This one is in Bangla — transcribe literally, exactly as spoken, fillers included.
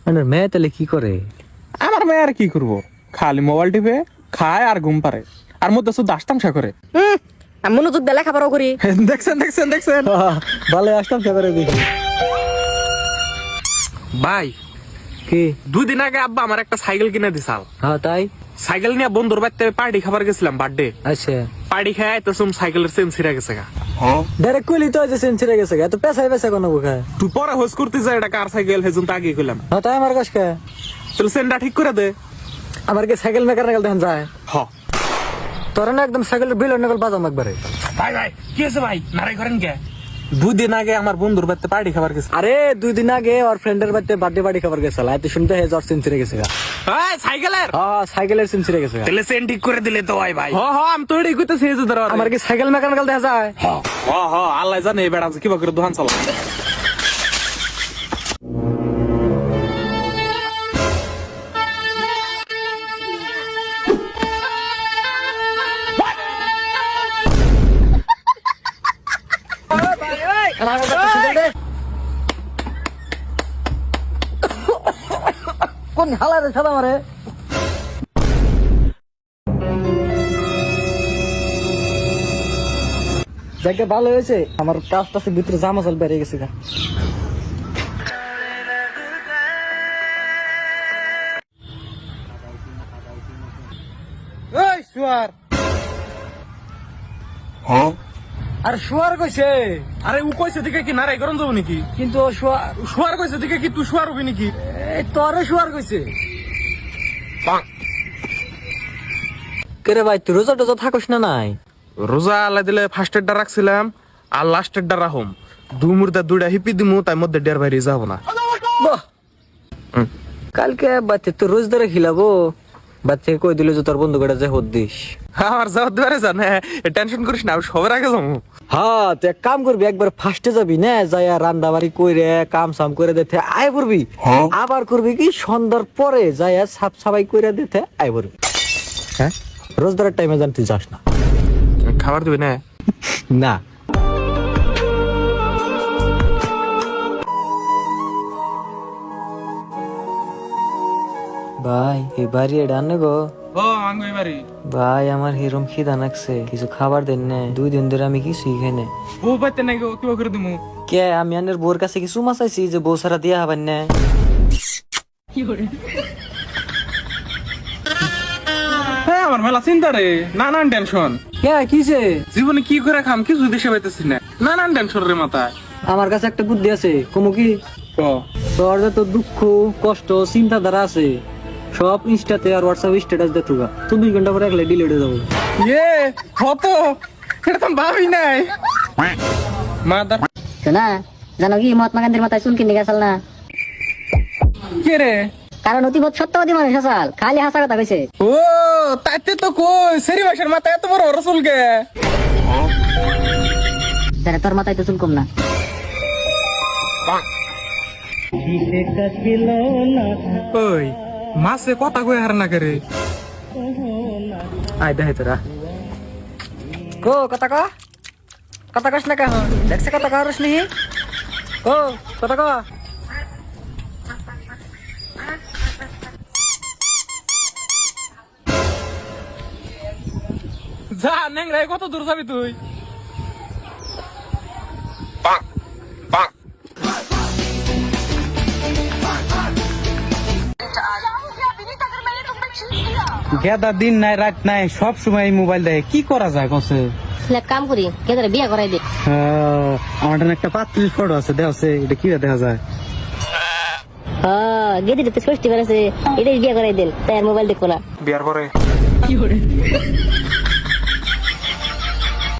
মেয়ে তাহলে কি করে? আমার মেয়ে আর কি করবো, খালি মোবাইল টিপে খায় আর ঘুম পারে, আর মধ্যে শুধু আস্তামশা করে। আমি মনোযোগ দিয়ে লেখাপড়াও করি। দেখছেন দেখছেন দেখছেন ভালো আসতাম করে দেখি। ভাই কি? দুই দিন আগে আব্বা আমার একটা সাইকেল কিনে দিছাল। হ্যাঁ তাই? সাইকেল নিয়ে বন্ধুর বাড়িতে পার্টি খাবার গেছিলাম, বার্থডে আচ্ছা, পার্টি খায় তো সুম সাইকেলের চেন ছিঁড়ে গেছে গা। ডাইরেক্ট কইলি তো যে সেঞ্চুরি গেছে, এত পেছাই পেছা কোনো বুখায়। তুই পরে হোস করতে যা, এটা কার সাইকেল হেজুন তা আগে কইলাম। হ্যাঁ তাই আমার কাছে তাহলে চেনটা ঠিক করে দে। আমার কি সাইকেল মেকানিক্যাল দেখেন যায়? হ তোরা না একদম সাইকেলের বিল নকল বাজাম একবারে। ভাই ভাই কি আছে ভাই, নারাই করেন কে? দুই দিন আগে আমার বন্ধুর বাড়িতে পার্টি খাবার গেছে। আরে দুই দিন আগে ওর ফ্রেন্ডের বাড়িতে বার্থডে পার্টি খাবার গেছিল, এত শুনতে হে জ্বর সেঞ্চুরি গেছে গা। এই সাইকেলের হ্যাঁ সাইকেলের সেঞ্চুরি গেছে গা। তাহলে চেন ঠিক করে দিলে তো ভাই ভাই। হ হ আমি তো এটাই কইতেছি এই যে ধর। আমার কি সাইকেল মেকানিক্যাল দেখা যায়? হ হ আল্লাহ জানে এই বেড়া কিবা করে দোকান চালা। কোন হালারে সাদা মারে? দেখে ভালো হয়েছে, আমার কাজটা ভিতরে জামা চাল বেরিয়ে গেছে গা। এই শুয়ার। আর শুয়ার কইছে, আরে ও কইছে দিকে কি নারাই গরম যাবো নাকি? কিন্তু ও শুয়ার শুয়ার কইছে দিকে কি তুই শুয়ার হবি নাকি? এই তোরে শুয়ার কইছে। কেরে ভাই তুই রোজা টোজা থাকস না নাই? রোজা আল্লাহ দিলে ফার্স্টের ডা রাখছিলাম আর লাস্টের ডা রাখুম। দুই মুর্দা দুইটা হিপি দিমু, তাই মধ্যে ডের বাইরে যাবো না। বাহ, কালকে বাচ্চা তুই রোজ ধরে খিলাবো, বাচ্চাকে কই দিল যে তোর বন্ধু কটা যে হদ দিস। আমার যাওয়ার দুয়ারে জানে, টেনশন করিস না, আমি সবার আগে যাবো। হ্যাঁ তুই এক কাম করবি, একবার ফার্স্টে যাবি না, যাই রান্না বাড়ি কইরে কাম সাম করে দিতে আয় করবি, আবার করবি কি সন্ধ্যার পরে যাই সাফ সাফাই করে দিতে আয় করবি। হ্যাঁ রোজদারের টাইমে জান তুই যাস না। খাবার দিবি না? না ভাই এই বাড়ি এটা আনে গো। ও আঙ্গুই বাড়ি ভাই আমার হিরম খিদা লাগছে, কিছু খাবার দেন না, দুই দিন ধরে আমি কিছুই খাই না। ও বাইতে নাই গো, কিবা করে দিমু? কে আমি আনের বোর কাছে কিছু মাছ চাইছি যে বউ সারা দিয়া হবেন না। হ্যাঁ আমার মেলা চিন্তা রে, নানান টেনশন। কে কিসে? জীবনে কি করে খাম কিছু দেশে পাইতেছি না, নানান টেনশন রে মাথায়। আমার কাছে একটা বুদ্ধি আছে, কমু কি? ও তোর যত দুঃখ কষ্ট চিন্তাধারা আছে সব ইনস্টাতে আর হোয়াটসঅ্যাপ স্ট্যাটাস দে তুগা, চব্বিশ ঘন্টা পরে একলে ডিলিট হয়ে যাবো। ইয়ে কত, এটা তো ভাবি নাই। মাদার শোনা, জানো কি মহাত্মা গান্ধীর মাথায় চুল কিনে গেছাল না? কে রে? কারণ অতিবোধ সত্যবাদী মানুষ হাসাল, খালি হাসা কথা কইছে। ও তাইতে তো কই সেরি ভাষার মাথায় এত বড় রসুল কে? তাহলে তোর মাথায় তো চুল কম না। ওই মাসে কথা কই হার না করে। আয় দেখাই তোরা কো কথা ক, কথা কস না কেন? দেখছে কথা কস নি কো কথা ক। যা নেংরাই কত দূর যাবি তুই? গেদা দিন নাই রাত নাই সব সময় মোবাইল দেখে, কি করা যায় কসে? এক কাম করি, কেদারে বিয়া করাই দে। আমার এখানে একটা পাত্রীর ফটো আছে, দেখা এটা কি দেখা যায়? হ্যাঁ গেদিটা তো ষষ্ঠী বেড়েছে, এটাই বিয়া করাই দেন, তাই আর মোবাইল দেখবো না। বিয়ার পরে